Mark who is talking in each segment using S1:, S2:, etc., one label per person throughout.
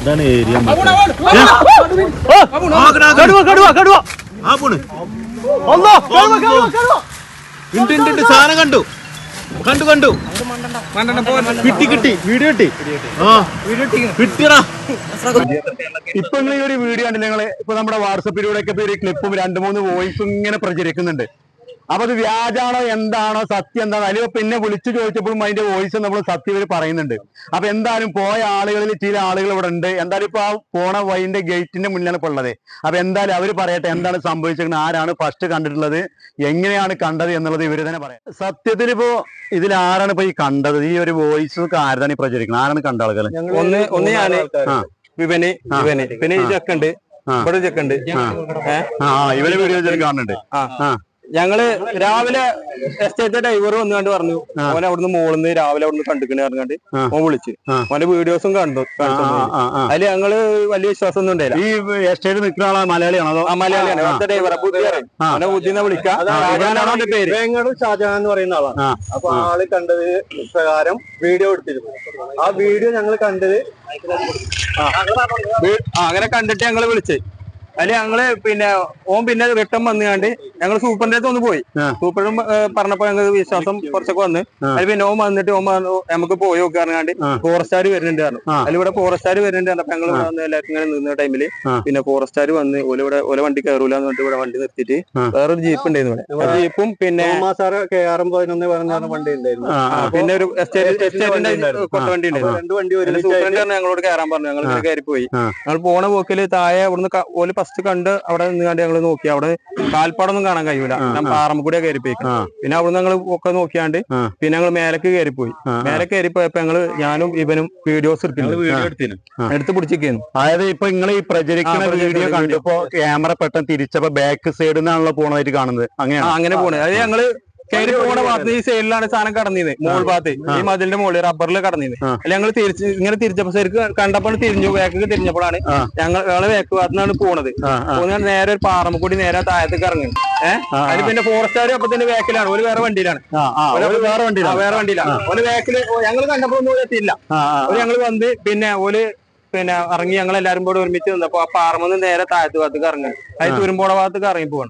S1: Area സാധനം കണ്ടു കണ്ടു കണ്ടു കിട്ടി വീഡിയോ കിട്ടിയടാ. ഇപ്പൊ നിങ്ങൾ ഈ ഒരു വീഡിയോ കണ്ടില്ല നിങ്ങള് ഇപ്പൊ നമ്മുടെ വാട്സപ്പിലൂടെ ഒക്കെ ഒരു ക്ലിപ്പും 2-3 വോയിസും ഇങ്ങനെ പ്രചരിക്കുന്നുണ്ട്. അപ്പൊ അത് വ്യാജാണോ എന്താണോ സത്യം എന്താണോ അല്ലെങ്കിൽ പിന്നെ വിളിച്ചു ചോദിച്ചപ്പോഴും അതിന്റെ വോയിസ് നമ്മൾ സത്യം ഇവർ പറയുന്നുണ്ട്. അപ്പൊ എന്തായാലും പോയ ആളുകളിൽ ചില ആളുകൾ ഇവിടെ ഉണ്ട്. എന്തായാലും ഇപ്പൊ ആ പോണ വഴിന്റെ ഗേറ്റിന്റെ മുന്നിലാണ് ഇപ്പൊ ഉള്ളത്. അപ്പൊ എന്തായാലും അവര് പറയട്ടെ എന്താണ് സംഭവിച്ചിരിക്കുന്നത്, ആരാണ് ഫസ്റ്റ് കണ്ടിട്ടുള്ളത്, എങ്ങനെയാണ് കണ്ടത് എന്നുള്ളത് ഇവര് തന്നെ പറയാം. സത്യത്തിൽ ഇപ്പോ ഇതിൽ ആരാണ് ഇപ്പൊ ഈ കണ്ടത്, ഈ ഒരു വോയിസ് ആരാണ് ഈ പ്രചരിക്കുന്നത്, ആരാണ് കണ്ട ആളുകൾ?
S2: ഒന്ന് ഞാന് വിപണി പിന്നെ ഈ ചെക്കുണ്ട്, ഇവിടെ ചെക്കുണ്ട്,
S1: ഇവര് വീഡിയോ കാണുന്നുണ്ട്.
S2: ഞങ്ങള് രാവിലെ എസ്റ്റേറ്റ് ഡ്രൈവർ വന്നുകൊണ്ട് പറഞ്ഞു ഓനെ അവിടുന്ന് മോളിന്ന് രാവിലെ അവിടുന്ന് കണ്ടിക്കണ പറഞ്ഞാണ്ട് ഓൻ വിളിച്ച് ഓന്റെ വീഡിയോസും കണ്ടു. അതില് ഞങ്ങള് വലിയ വിശ്വാസം ഒന്നും ഉണ്ടായില്ല.
S1: ഈ എസ്റ്റേറ്റ് നിൽക്കുന്ന ആളാ മലയാളിയാണോ?
S2: മലയാളിയാണ്. ഡ്രൈവറെ അവനെ ബുദ്ധിന്ന് വിളിക്കാം.
S1: പേര്
S3: ഷാജഹാൻ എന്ന് പറയുന്ന ആളാണ്. അപ്പൊ ആള് കണ്ടത് പ്രകാരം വീഡിയോ എടുത്തിരുന്നു. ആ വീഡിയോ ഞങ്ങൾ കണ്ടത്
S2: അങ്ങനെ കണ്ടിട്ട് ഞങ്ങള് വിളിച്ചേ. അതില് ഞങ്ങള് പിന്നെ ഓൻ പിന്നെ റിട്ടേൺ വന്നുകാണ്ട് ഞങ്ങള് സൂപ്പറിന്റെ അടുത്ത് ഒന്ന് പോയി. സൂപ്പറും പറഞ്ഞപ്പോ ഞങ്ങൾക്ക് വിശ്വാസം കുറച്ചൊക്കെ വന്ന് അതിൽ പിന്നെ ഓൻ വന്നിട്ട് ഓൻ നമുക്ക് പോയി നോക്കി പറഞ്ഞാണ്ട് ഫോറസ്റ്റുകാർ വരുന്നുണ്ട് പറഞ്ഞു. അതിലിവിടെ ഫോറസ്റ്റുകാർ വരുന്നുണ്ട് പറഞ്ഞപ്പോ ഞങ്ങൾ എല്ലാവർക്കും ഇങ്ങനെ നിന്ന ടൈമില് പിന്നെ ഫോറസ്റ്റുകാർ വന്ന് ഓല വണ്ടി കയറൂല എന്ന് പറഞ്ഞിട്ട് ഇവിടെ വണ്ടി നിർത്തിയിട്ട് വേറൊരു ജീപ്പ് ഉണ്ടായിരുന്നു ഇവിടെ. ജീപ്പും പിന്നെ
S3: വണ്ടി ഉണ്ടായിരുന്നു.
S2: പിന്നെ ഒരു എസ്റ്റേറ്റിന്റെ കൊട്ട വണ്ടി ഉണ്ടായിരുന്നു. സൂപ്പറിന്റെ ഞങ്ങളോട് കയറാൻ പറഞ്ഞു. ഞങ്ങൾ കയറി പോയി. ഞങ്ങൾ പോണ പോക്കില് താഴെ അവിടുന്ന് ഓല് ഫസ്റ്റ് കണ്ട് അവിടെ നിന്നാണ്ട് ഞങ്ങള് നോക്കി. അവിടെ കാൽപ്പാടൊന്നും കാണാൻ കഴിയൂല, പാറമ്പൂടിയാ കയറിപ്പോയി. പിന്നെ അവിടുന്ന് ഞങ്ങൾ ഒക്കെ നോക്കിയാണ്ട് പിന്നെ ഞങ്ങൾ മേലേക്ക് കയറിപ്പോയി. മേലെ കയറിപ്പോയപ്പോ ഞാനും ഇവനും വീഡിയോസ് എടുത്ത് പിടിച്ചിരിക്കുന്നു.
S1: അതായത് ഇപ്പൊ നിങ്ങൾ ഈ പ്രചരിക്കുന്ന വീഡിയോ കണ്ടപ്പോ ക്യാമറ പെട്ടെന്ന് തിരിച്ചപ്പോ ബാക്ക് സൈഡിൽ നിന്നാണല്ലോ പോണതായിട്ട് കാണുന്നത്.
S2: അങ്ങനെ പോണത്. അത് ഞങ്ങള് കയറി പോണ ഭാഗത്ത് ഈ സൈഡിലാണ് സാധനം കടന്നിരുന്നത്. മോൾ ഭാഗത്ത് ഈ മതിലിന്റെ മുകളിൽ റബ്ബറിൽ കടന്നിരുന്നത്. അല്ല ഞങ്ങൾ ഇങ്ങനെ തിരിച്ചപ്പോ ശരിക്കും കണ്ടപ്പോൾ തിരിഞ്ഞു, ബാക്കിൽ തിരിഞ്ഞപ്പോഴാണ് ഞങ്ങളെ ബാക്ക് ഭാഗത്തുനിന്നാണ് പോണത്. പോകുന്ന നേരെ ഒരു പാറമക്കൂടി നേരെ താഴത്തേക്ക് ഇറങ്ങുന്നത്. അതിൽ പിന്നെ ഫോറസ്റ്റുകാർ അപ്പൊ തന്നെ ബാക്കിലാണ്, ഒരു വേറെ വണ്ടിയിലാണ്. വേറെ വണ്ടിയിലാണ് ഒരു ബാക്കില്. ഞങ്ങൾ കണ്ടപ്പോ ഒന്നും എത്തിയില്ല. ഞങ്ങൾ വന്ന് പിന്നെ ഇറങ്ങി ഞങ്ങൾ എല്ലാരും കൂടെ ഒരുമിച്ച് നിന്നപ്പോ ആ പാറമന്ന് നേരെ താഴത്ത് ഭാഗത്തേക്ക് ഇറങ്ങി. അത് തുരുമ്പോട ഭാഗത്തേക്ക് ഇറങ്ങി പോവാണ്.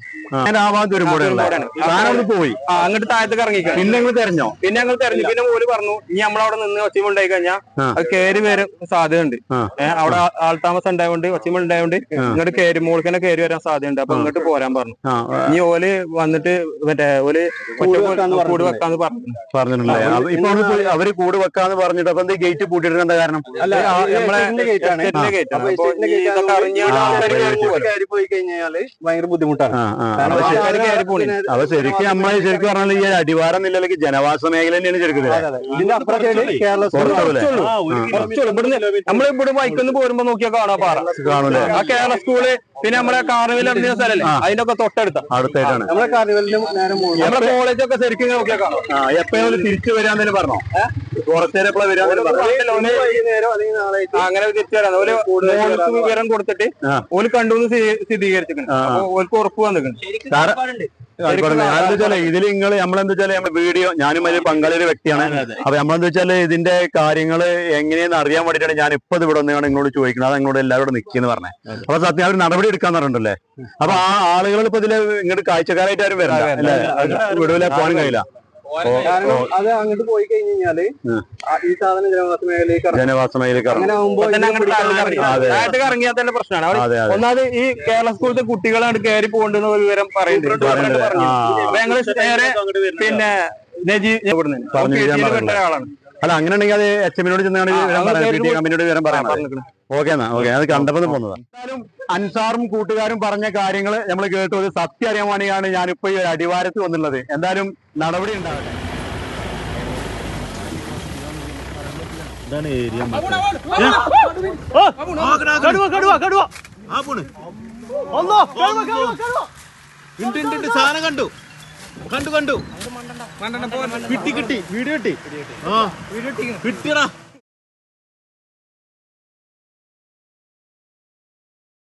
S1: പോയി
S2: അങ്ങോട്ട് താഴത്തേക്ക് ഇറങ്ങി.
S1: പിന്നെ ഞങ്ങൾ തെരഞ്ഞു.
S2: പിന്നെ ഓല് പറഞ്ഞു ഇനി നമ്മളവിടെ നിന്ന് ഒച്ചമ ഉണ്ടായി കഴിഞ്ഞാൽ അത് കയറി വരാൻ സാധ്യത ഉണ്ട്. അവിടെ ആൾതാമസം ഉണ്ടായതുകൊണ്ട് ഒച്ചമ ഉണ്ടായതുകൊണ്ട് ഇങ്ങോട്ട് കയറി മോൾക്കന്നെ കയറി വരാൻ സാധ്യതയുണ്ട്. അപ്പൊ ഇങ്ങോട്ട് പോരാൻ പറഞ്ഞു. ഇനി ഓല് വന്നിട്ട് ഓല് കൂട് വെക്കാന്ന്
S1: പറഞ്ഞിട്ടുണ്ടായി. ഇപ്പൊ അവര് കൂട് വെക്കാന്ന് പറഞ്ഞിട്ട് അപ്പൊ ഗേറ്റ് പൂട്ടിയിട്ട് എന്താ കാരണം?
S3: പോയി കഴിഞ്ഞാല് ഭയങ്കര ബുദ്ധിമുട്ടാണ്.
S1: അപ്പൊ ശരിക്കും നമ്മളെ ശരിക്കും പറഞ്ഞാൽ ഈ അടിവാരം നിലയിലേക്ക് ജനവാസ മേഖല തന്നെയാണ് ശരിക്കും.
S3: ഇതിന്റെ
S2: നമ്മളിവിടെ ബൈക്കൊന്ന് പോരുമ്പോ നോക്കിയാൽ കാണാം പാറ
S1: കാണൂലേ?
S2: ആ കേരള സ്കൂള് പിന്നെ നമ്മുടെ കാർണിവൽ ഇറങ്ങിയ സ്ഥലല്ലേ അതിന്റെ ഒക്കെ
S1: അടുത്തായിട്ടാണ്
S3: നമ്മുടെ കാർണിവലിന്റെ നേരം
S2: നമ്മുടെ കോളേജൊക്കെ ശരിക്കും നോക്കിയാൽ കാണാം.
S1: എപ്പോഴും തിരിച്ചു വരാൻ പറഞ്ഞോ? കുറച്ചേരം
S2: അങ്ങനെ തിരിച്ചു വരാം. ഓല് വിവരം കൊടുത്തിട്ട് ഓല് കണ്ടു സ്ഥിരീകരിച്ചിട്ടുണ്ട്. അപ്പൊ ഓൽക്ക് ഉറപ്പ് വന്നിട്ടുണ്ട്.
S1: ഇതിൽ നിങ്ങൾ നമ്മളെന്താ വെച്ചാല് നമ്മുടെ വീഡിയോ ഞാനും അതിൽ പങ്കാളിയൊരു വ്യക്തിയാണ്. അപ്പൊ നമ്മളെന്താ വെച്ചാല് ഇതിന്റെ കാര്യങ്ങള് എങ്ങനെയെന്ന് അറിയാൻ വേണ്ടിയിട്ടാണ് ഞാൻ ഇപ്പൊ ഇവിടെ ഒന്നാണ് നിങ്ങളോട് ചോദിക്കുന്നത്. അത് നിങ്ങളോട് എല്ലാവരും നിൽക്കുന്നു പറഞ്ഞത്. അപ്പൊ സത്യം അവർ നടപടി എടുക്കാന്ന് പറഞ്ഞിട്ടുണ്ടല്ലേ? അപ്പൊ ആ ആളുകൾ ഇപ്പൊ ഇതില് ഇങ്ങോട്ട് കാഴ്ചക്കാരായിട്ട് ആരും വരില്ല അല്ലെ? വിടുവിലെ പോകാൻ കഴിയില്ല.
S3: അത് അങ്ങോട്ട് പോയി കഴിഞ്ഞ് കഴിഞ്ഞാല് ഈ സാധനം ജനവാസ മേഖലയിലേക്ക്
S2: അങ്ങനെ ഇറങ്ങിയാൽ തന്നെ പ്രശ്നമാണ്. ഒന്നാമത് ഈ കേരള സ്കൂളിലത്തെ കുട്ടികളാണ് കയറി പോകേണ്ടെന്ന് വിവരം പറയുന്നുണ്ട്. ഞങ്ങള് നേരെ പിന്നെ ഒരാളാണ്.
S1: അല്ല അങ്ങനെ ഉണ്ടെങ്കിൽ അത് HM-നോട് കമ്പനിയോട് വിവരം പറയാൻ പറഞ്ഞു. ഓക്കെ അത് കണ്ടപ്പോൾ പോകുന്നതാണ്. എന്തായാലും അൻസാറും കൂട്ടുകാരും പറഞ്ഞ കാര്യങ്ങൾ നമ്മൾ കേട്ടു. ഒരു സത്യം അറിയാൻ വേണ്ടിയാണ് ഞാനിപ്പോ ഈ അടിവാരത്ത് വന്നുള്ളത്. എന്തായാലും നടപടി ഉണ്ടാവട്ടെ. സാധനം കണ്ടു കിട്ടി വീഡിയോ കിട്ടിയടാ.